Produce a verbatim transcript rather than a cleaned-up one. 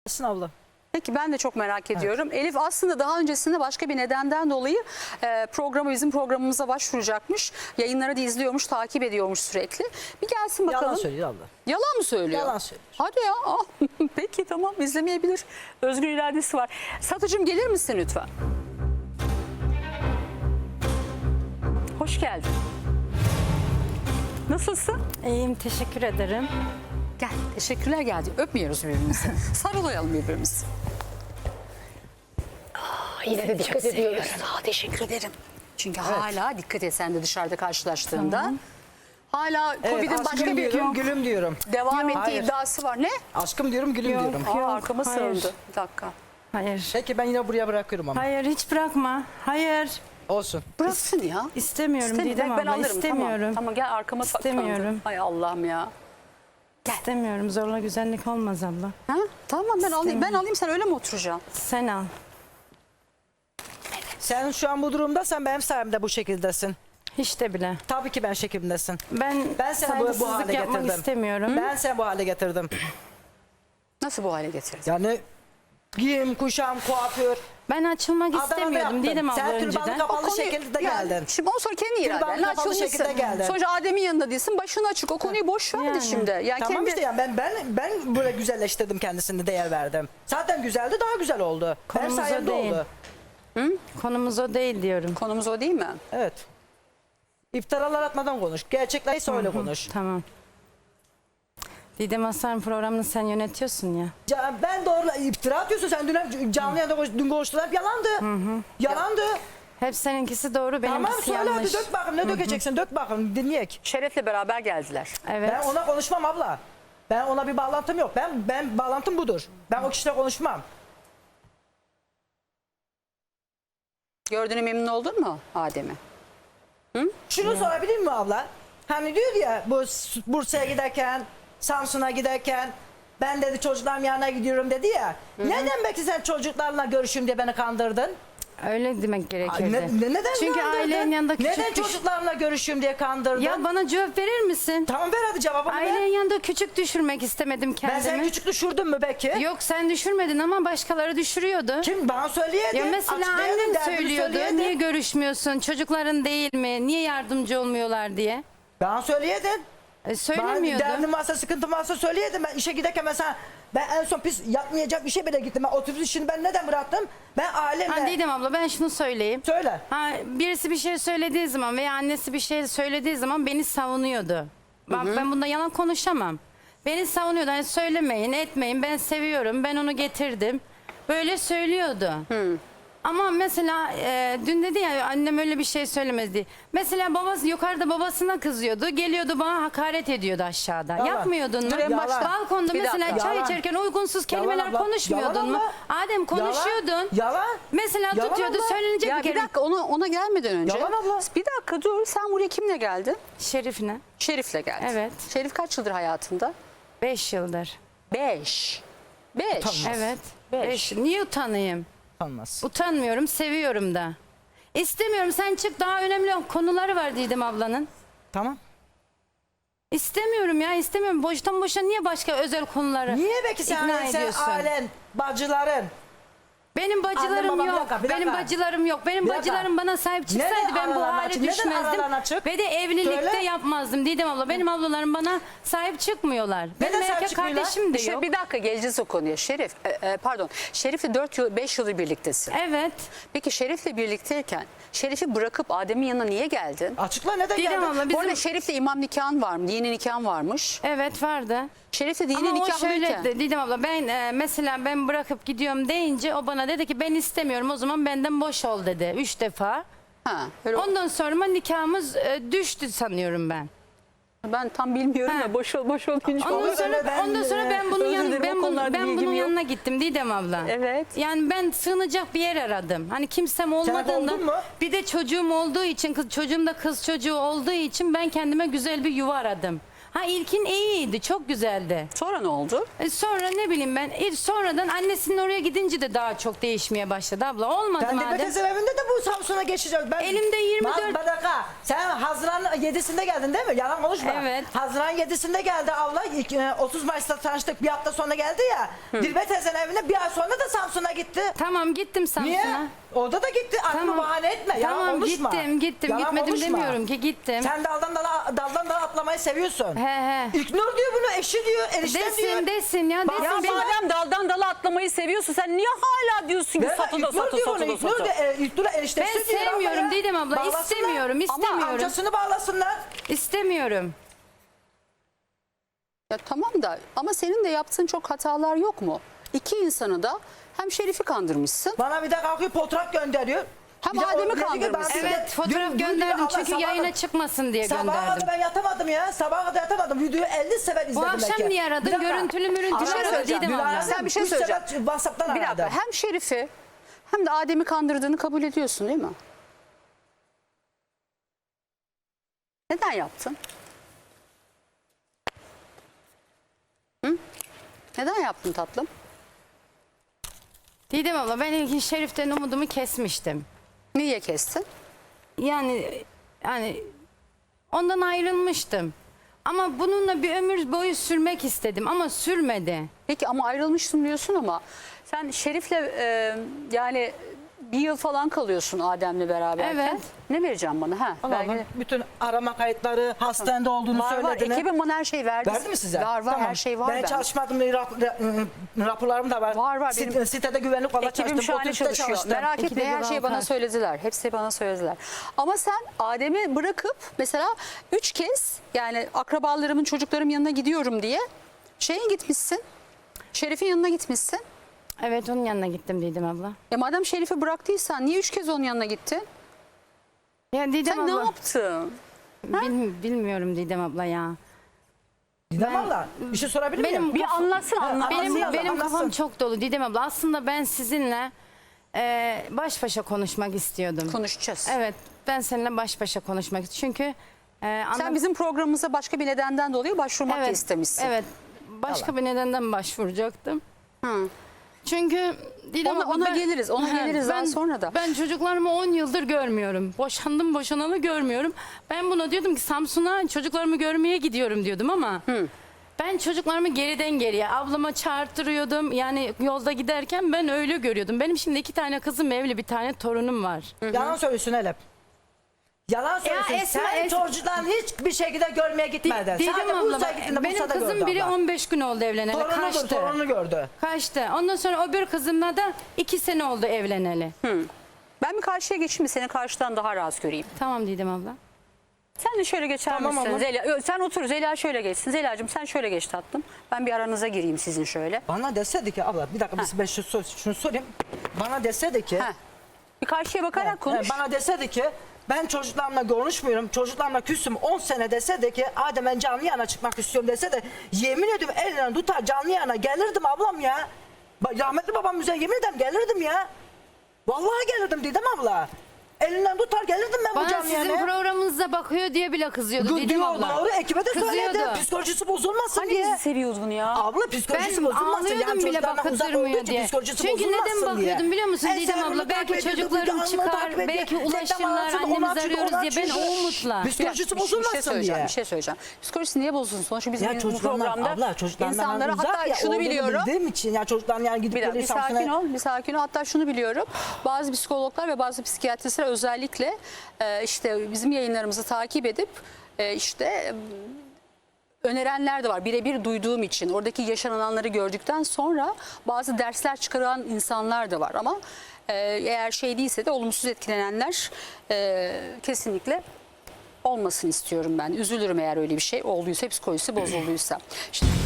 Abla. Peki ben de çok merak ediyorum. Evet. Elif aslında daha öncesinde başka bir nedenden dolayı e, programı bizim programımıza başvuracakmış. Yayınları da izliyormuş, takip ediyormuş sürekli. Bir gelsin bakalım. Yalan söylüyor abla. Yalan mı söylüyor? Yalan söylüyor. Hadi ya. Ah, peki tamam, izlemeyebilir. Özgür iradesi var. Satıcım gelir misin lütfen? Hoş geldin. Nasılsın? İyiyim, teşekkür ederim. Gel. Teşekkürler geldi. Öpmüyoruz birbirimizi. Sarılayalım birbirimizi. Aa, yine de dikkat ediyoruz. Aa, teşekkür ederim. Çünkü evet. hala dikkat et sen de dışarıda karşılaştığında. Tamam. Hala Evet, Covid'in başka bir diyorum, gülüm diyorum. devam Yok, ettiği hayır. iddiası var. Ne? Aşkım diyorum, gülüm Yok. diyorum. Aa, Yok, arkama hayır. sığındı. Bir dakika. Hayır. Peki ben yine buraya bırakıyorum ama. Hayır, hiç bırakma. Hayır. Olsun. Bıraksın ya. İstemiyorum İstemiyorum. Didem Ben abla, alırım. istemiyorum. Tamam, tamam gel arkama saklandım. İstemiyorum. Ay Allah'ım ya. Gel. İstemiyorum, zorla güzellik olmaz abla. Ha? Tamam ben alayım. Ben alayım, sen öyle mi oturacaksın? Sen al. Sen şu an bu durumda, sen benim sayemde bu şekildesin. Hiç de bile. Tabii ki ben şeklimdesin. Ben, Ben seni bu, bu saygısızlık hale yapmak getirdim. istemiyorum. Ben seni bu hale getirdim. Nasıl bu hale getirdin? Yani giyim, kuşam, kuaför. Ben açılmak Adana'da istemiyordum yaptım. Didem abla Sen türbanı önceden. kapalı konuyu- şekilde yani geldin. Şimdi ondan sonra kendi Türbanı iradenle kapalı açılmışsın. şekilde geldin. Sonuçta Adem'in yanında değilsin. Başın açık. O konuyu boş ver de Yani. şimdi. Yani Tamam kendi... işte yani ben ben ben böyle güzelleştirdim, kendisini değer verdim. Zaten güzeldi, daha güzel oldu. Benim Konumuz o sayemde değil. oldu. Konumuz o değil diyorum. Konumuz o değil mi? Evet. İftiralar atmadan konuş. Gerçekleri söyle konuş. Tamam. Didem Aslan programını sen yönetiyorsun ya. Ca- Ben doğru iftira atıyorsun. Sen dün canlı yayında konuş- dün konuştular. Hep yalandı. Yalandı. Hep seninkisi doğru, benimkisi Tamam söyle yanlış. hadi, dök bakayım. Ne dökeceksin? Dök bakayım, dinleyek. Şeref'le beraber geldiler. Evet. Ben ona konuşmam abla. Ben ona bir bağlantım yok. Ben ben bağlantım budur. Ben o kişiyle konuşmam. Gördüğüne memnun oldun mu Adem'i? Şunu sorabilir miyim abla? Hani diyor ya bu S- Bursa'ya giderken, Samsun'a giderken ben dedi çocuklarım yanına gidiyorum dedi ya. Neden belki sen çocuklarla görüşüm diye beni kandırdın? Öyle demek Ay, gerekirdi. ne- ne- neden Çünkü kandırdın? ailenin yanında küçük Neden düş- çocuklarla görüşüm diye kandırdın? Ya bana cevap verir misin? Tamam ver hadi cevabını ver. Ailenin yanında küçük düşürmek istemedim Ben kendimi. seni küçük düşürdüm mü belki? Yok, sen düşürmedin ama başkaları düşürüyordu. Kim bana söyleyedin? Ya mesela Açıklayadın, annen derdini söylüyordu. söyleyedin. Niye görüşmüyorsun? Çocukların değil mi? Niye yardımcı olmuyorlar diye. Bana söyleyedin. E, Bana söylemiyordun. derdim varsa, sıkıntım varsa söyleyedim. Ben işe giderken mesela ben en son pis yapmayacak bir şey bile gittim. Ben otobüs işini ben neden bıraktım? Ben ailemle... Ha, Didem abla, ben şunu söyleyeyim. Söyle. Ha, birisi bir şey söylediği zaman veya annesi bir şey söylediği zaman beni savunuyordu. Bak, ben bunda yalan konuşamam. Beni savunuyordu. Hani söylemeyin, etmeyin. Ben seviyorum. Ben onu getirdim. Böyle söylüyordu. Ama mesela e, dün dedi ya annem öyle bir şey söylemez diye. Mesela babası yukarıda babasına kızıyordu. Geliyordu bana hakaret ediyordu aşağıda. Yalan. Yapmıyordun mu? Dur, en başta- Balkonda Bir mesela dakika. çay Yalan. içerken uygunsuz kelimeler abla. konuşmuyordun Yalan mu? abla. Adem konuşuyordun. Yalan. Yalan. Mesela Yalan tutuyordu abla. söylenecek Ya bir bir kere. dakika ona, ona gelmeden önce. Yalan abla. Bir dakika dur. Sen buraya kimle geldin? Şerif'ine. Şerif'le geldin. Evet. Şerif kaç yıldır hayatında? Beş yıldır. Beş. Beş. Utanmaz. Evet. Beş. Beş. Niye utanayım? Olmaz. Utanmıyorum, seviyorum da. İstemiyorum, sen çık, daha önemli konuları var Didem ablanın. Tamam. İstemiyorum ya, istemiyorum. Boştan boşa niye başka özel konuları Niye belki sen, ikna sen ediyorsun? ailen, bacıların? Benim bacılarım Annem, babam, yok. bir dakika, bir Benim dakika. bacılarım yok. Benim Bir dakika. bacılarım bana sahip çıksaydı Neden ben bu aralarına hale açık? Neden düşmezdim. aralarına açık? Ve de evlilikte Söyle. yapmazdım Didem abla. Benim ablalarım bana sahip çıkmıyorlar. Benim sahip erkek çıkmıyorlar? kardeşim de İşte yok. bir dakika geleceğiz o konuya. Şerif, e, e, pardon. Şerif'le dört yıl, beş yıldır birliktesin. Evet. Peki Şerif'le birlikteyken Şerif'i bırakıp Adem'in yanına niye geldin? Açıkla neden Didem geldin? abla Bu bizim... arada Şerif'le imam nikahın var mı? Dini nikahın varmış. Evet, vardı. Şerif'le dini Ama o nikahlıyken. şöyle de- Didem abla, ben e, mesela ben bırakıp gidiyorum deyince o bana dedi ki ben istemiyorum, o zaman benden boş ol dedi. Üç defa. Ha, öyle- Ondan sonra nikahımız e, düştü sanıyorum ben. ben tam bilmiyorum Ha. ya boş ol boş ol deyince. Ondan Ama sonra öyle ben, ondan sonra ben bunun özür yan, dilerim, o ben, bunu, konularda ben bilgim bunun yok. yanına gittim Didem abla. Evet. Yani ben sığınacak bir yer aradım. Hani kimsem olmadığından, oldun mu? bir de çocuğum olduğu için, kız çocuğum da kız çocuğu olduğu için ben kendime güzel bir yuva aradım. Ha ilkin iyiydi, çok güzeldi. Sonra ne oldu? E sonra ne bileyim ben e, sonradan annesinin oraya gidince de daha çok değişmeye başladı abla. Olmadı Ben de madem. Bekir evinde de bu Samsun'a geçeceğiz. Ben, Elimde yirmi dört Ma- Bir dakika. Sen Haziran yedisinde geldin değil mi? Yalan konuşma. Evet. Haziran yedisinde geldi abla. İlk, e, otuz Mayıs'ta tanıştık. Bir hafta sonra geldi ya. Dilbe teyzenin evine bir ay sonra da Samsun'a gitti. Tamam gittim Niye? Samsun'a. Orada da gitti. Aklını bahane etme. Yalan Tamam konuşma. gittim gittim Yalan gitmedim konuşma. demiyorum ki gittim. Sen daldan dala, daldan dala atlamayı seviyorsun. He he. İlknur diyor bunu, eşi diyor, enişten diyor. Desin desin ya Bak- desin. Ya Benim- madem daldan dala atlamayı seviyorsun sen niye hala diyorsun ki Ver, satı da İlknur satı diyor satı bunu, da İlknur satı. da, e, İlknur'a eniştesi Ben diyor sevmiyorum abla ya. Didem abla, Bağlasınlar. istemiyorum, Ama istemiyorum. amcasını bağlasınlar. İstemiyorum. Ya tamam da ama senin de yaptığın çok hatalar yok mu? İki insanı da hem Şerif'i kandırmışsın. Bana bir de kalkıyor fotoğraf gönderiyor. Hem Bir de o Adem'i dedi ki, kandırmışsın. ben size Evet fotoğraf dün- dün gönderdim diyor, çünkü Allah, yayına sabaha- çıkmasın diye Sabaha gönderdim. kadar ben yatamadım ya. Sabaha kadar yatamadım. Videoyu elli sefer izledim. Bu akşam belki. niye aradın? Bir dakika. Görüntülü mürüntülü Bir şey aradı söyleyeceğim. Didem Dün abla. aradım. Sen bir şey Üç sefer söyleyeceğim. WhatsApp'tan Bir dakika aradım. hem Şerif'i hem de Adem'i kandırdığını kabul ediyorsun değil mi? Neden yaptın? Hı? Neden yaptın tatlım? Didem abla ben ilkin Şerif'ten umudumu kesmiştim. Niye kestin? Yani yani ondan ayrılmıştım. Ama bununla bir ömür boyu sürmek istedim ama sürmedi. Peki ama ayrılmışsın diyorsun ama sen Şerif'le e, yani bir yıl falan kalıyorsun Adem'le beraberken. Evet. Ne vereceğim bana? Ha, Allah belge- Allah, bütün arama kayıtları, hastanede olduğunu Var var. söylediler. Ekibim bana her şeyi verdi. Verdi mi size? Var var Tamam. her şey var. Ben bende. çalışmadım. Rap, ra- raporlarım da var. Var, var. Sit- Benim- sitede güvenlik olarak Ekibim çalıştım. şu an otobüste çalışıyor. çalıştım. Merak etme İkide her bir şeyi bana bakar. söylediler. Hepsi bana söylediler. Ama sen Adem'i bırakıp mesela üç kez yani akrabalarımın çocuklarım yanına gidiyorum diye şeye gitmişsin. Şerif'in yanına gitmişsin. Evet onun yanına gittim Didem abla. Ya madem Şerif'i bıraktıysan niye üç kez onun yanına gittin? Ya Didem Sen ne abla yaptın? bil- bilmiyorum Didem abla ya. Didem abla bir şey sorabilir Benim- miyim? Bir anlatsın Ha, anlat. Benim Anlatsın, benim anlatsın. kafam çok dolu Didem abla. Aslında ben sizinle e, baş başa konuşmak istiyordum. Konuşacağız. Evet ben seninle baş başa konuşmak istiyorum. Çünkü e, Sen anla- bizim programımıza başka bir nedenden dolayı başvurmak da evet, istemişsin. Evet. Başka bir nedenden başvuracaktım. Hı. Çünkü Didem Ona- abla, ona geliriz, ona geliriz daha sonra da. Ben çocuklarımı on yıldır görmüyorum. Boşandım boşanalı görmüyorum. Ben buna diyordum ki Samsun'a çocuklarımı görmeye gidiyorum diyordum ama ben çocuklarımı geriden geriye ablama çağırtırıyordum. Yani yolda giderken ben öyle görüyordum. Benim şimdi iki tane kızım evli, bir tane torunum var. Yalan söylüyorsun Elif. Yalan söylüyorsun. Esma, Sen Esma- çocuklarını hiçbir şekilde görmeye gitmedin. Didem Sadece abla Bursa'ya bak, gittiğinde benim Bursa'da kızım gördü biri abla. on beş gün oldu evleneli. Torunudur, Kaçtı. torununu gördü. Kaçtı. Ondan sonra o bir kızımla da iki sene oldu evleneli. Ben bir karşıya geçeyim mi? Seni karşıdan daha rahat göreyim. Tamam Didem abla. Sen de şöyle geçer Tamam misin? ama. Zeliha, Yo, sen otur. Zeliha şöyle geçsin. Zeliha'cığım sen şöyle geç tatlım. Ben bir aranıza gireyim sizin şöyle. Bana deseydi ki abla bir dakika biz ben şu, sor- şunu sorayım. Bana deseydi ki Heh. Bir karşıya bakarak konuş. e, bana deseydi ki ben çocuklarımla konuşmuyorum. Çocuklarımla küsüm on sene deseydi ki Adem ben canlı yana çıkmak istiyorum deseydi yemin ediyorum elinden tutar canlı yana gelirdim ablam ya. Ba- Rahmetli babam üzerine yemin ederim gelirdim ya. Vallahi gelirdim Didem abla. Elinden tutar gelirdim ben bu Bana canlı sizin yana. programınıza bakıyor diye bile kızıyordu Gı- Didem diyor, abla. Doğru ekibe de Kızıyordu. söyledi. Psikolojisi bozulmasın Hani diye. bizi seviyordun ya? Abla psikolojisi Ben bozulmasın. ağlıyordum yani bile çocuklardan uzak olduğu bakıttırmıyor için diye. psikolojisi Çünkü bozulmasın neden diye. bakıyordum biliyor musun En Didem sevimli abla? Belki takip ediyordu, çocuklarım devamlı çıkar, takip ediyor. belki Reklam ulaşırlar, arasında annemizi onu açıyor, arıyoruz onu diye. Ben açıyor. o umutla. Biz- Psikolojisi Bir şey bozulmasın söyleyeceğim, diye. bir şey söyleyeceğim. Psikolojisi niye bozulsun? Sonuçta biz Ya bu çocuklarla programda abla çocuklarla insanlara uzak hatta ya, şunu olduğunu biliyorum. bildiğim için ya çocukların yani gidip Bir, dakika, bir geliyor sakin Samsun'a. ol, bir sakin ol. Hatta şunu biliyorum. Bazı psikologlar ve bazı psikiyatristler özellikle e, işte bizim yayınlarımızı takip edip e, işte e, önerenler de var. Birebir duyduğum için oradaki yaşananları gördükten sonra bazı dersler çıkaran insanlar da var. Ama e, eğer şey değilse de olumsuz etkilenenler e, kesinlikle olmasın istiyorum ben. Üzülürüm eğer öyle bir şey olduysa, psikolojisi bozulduysa. İşte